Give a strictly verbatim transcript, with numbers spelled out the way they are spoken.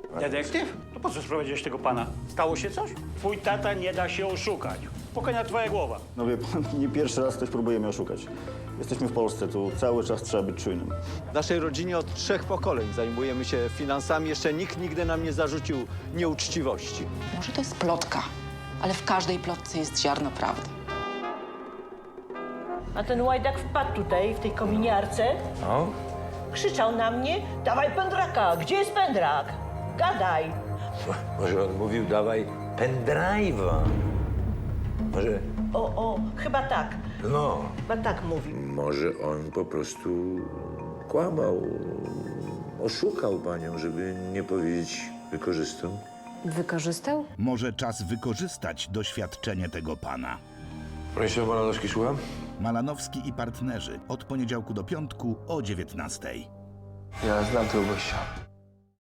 Detektyw? To po co sprowadziłeś tego pana? Stało się coś? Twój tata nie da się oszukać. Spokojna twoja głowa. No wie pan, nie pierwszy raz ktoś próbuje mnie oszukać. Jesteśmy w Polsce, tu cały czas trzeba być czujnym. W naszej rodzinie od trzech pokoleń zajmujemy się finansami. Jeszcze nikt nigdy nam nie zarzucił nieuczciwości. Może to jest plotka, ale w każdej plotce jest ziarno prawdy. A ten łajdak wpadł tutaj, w tej kominiarce, No? krzyczał na mnie, dawaj pędraka, gdzie jest pędrak? Gadaj. Może on mówił, dawaj pendrive'a. Może, O, o, chyba tak, no, chyba tak mówi. Może on po prostu kłamał, oszukał panią, żeby nie powiedzieć wykorzystał. Wykorzystał? Może czas wykorzystać doświadczenie tego pana. Bronisław Malanowski, słucham? Malanowski i partnerzy od poniedziałku do piątku o dziewiętnastej. Ja znam tego gościa.